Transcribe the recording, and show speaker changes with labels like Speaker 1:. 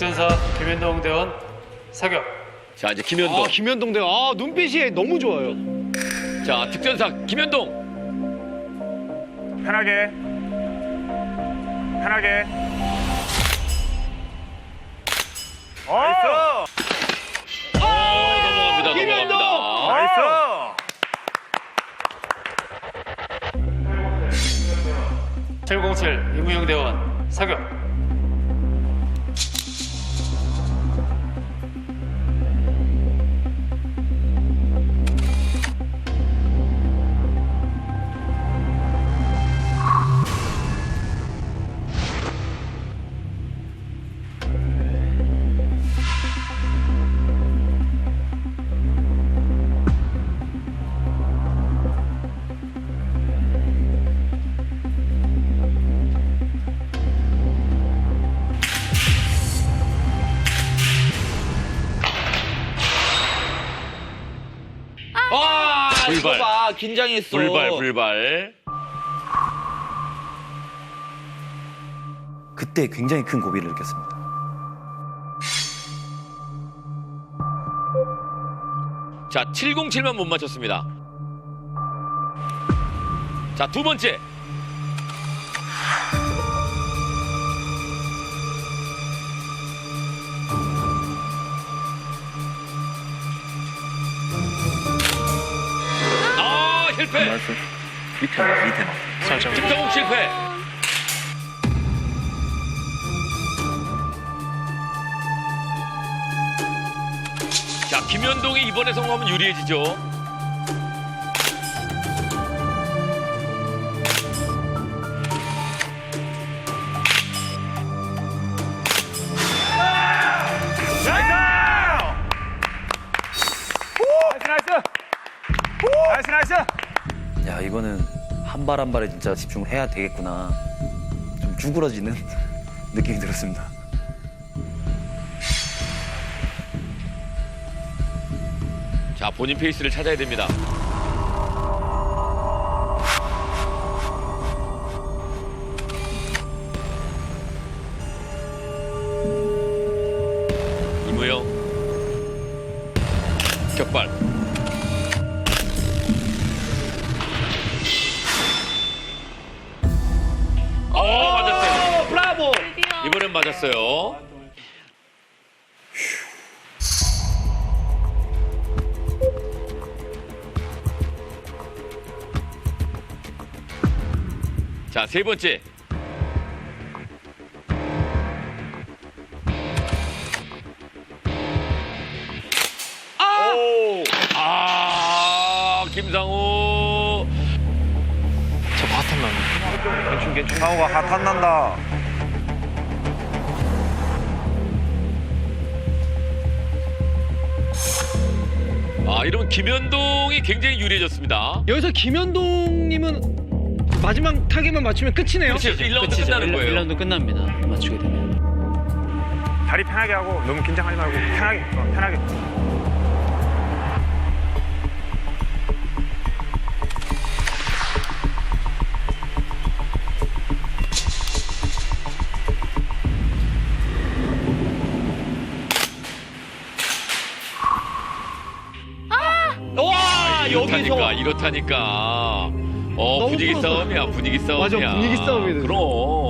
Speaker 1: 특전사 김현동 대원 사격.
Speaker 2: 자, 이제 김현동.
Speaker 3: 김현동 대원. 눈빛이 너무 좋아요.
Speaker 2: 자, 특전사 김현동.
Speaker 4: 편하게. 편하게. 나이스.
Speaker 2: 넘어갑니다.
Speaker 3: 김현동!
Speaker 2: 넘어갑니다.
Speaker 4: 나이스.
Speaker 1: 707 이무영 대원 사격.
Speaker 2: 불발.
Speaker 5: 봐, 긴장했어.
Speaker 2: 불발.
Speaker 6: 그때 굉장히 큰 고비를 느꼈습니다.
Speaker 2: 자, 707만 못 맞췄습니다. 자, 두 번째. 실패.
Speaker 6: 밑에
Speaker 1: 설정.
Speaker 2: 김성욱 실패. 자, 김현동이 이번에 성공하면 유리해지죠.
Speaker 4: 나이스.
Speaker 6: 야, 이거는 한 발 한 발에 진짜 집중을 해야 되겠구나. 좀 쭈그러지는 느낌이 들었습니다.
Speaker 2: 자, 본인 페이스를 찾아야 됩니다. 이무영 격발. 맞았어요.
Speaker 5: 브라보.
Speaker 2: 이번엔 맞았어요. 자, 세 번째. 김상우.
Speaker 1: 저거 핫한 나네.
Speaker 4: 괜찮. 상우가 핫한 난다.
Speaker 2: 이러면 김현동이 굉장히 유리해졌습니다.
Speaker 3: 여기서 김현동님은 마지막 타겟만 맞추면 끝이네요.
Speaker 2: 그렇죠. 1라운드 끝나는 거예요.
Speaker 1: 1라운드 끝납니다. 맞추게 되면.
Speaker 4: 다리 편하게 하고 너무 긴장하지 말고 편하게.
Speaker 5: 와,
Speaker 2: 이렇다니까. 분위기 싸움이야.
Speaker 3: 맞아, 분위기 싸움이네.
Speaker 2: 그럼.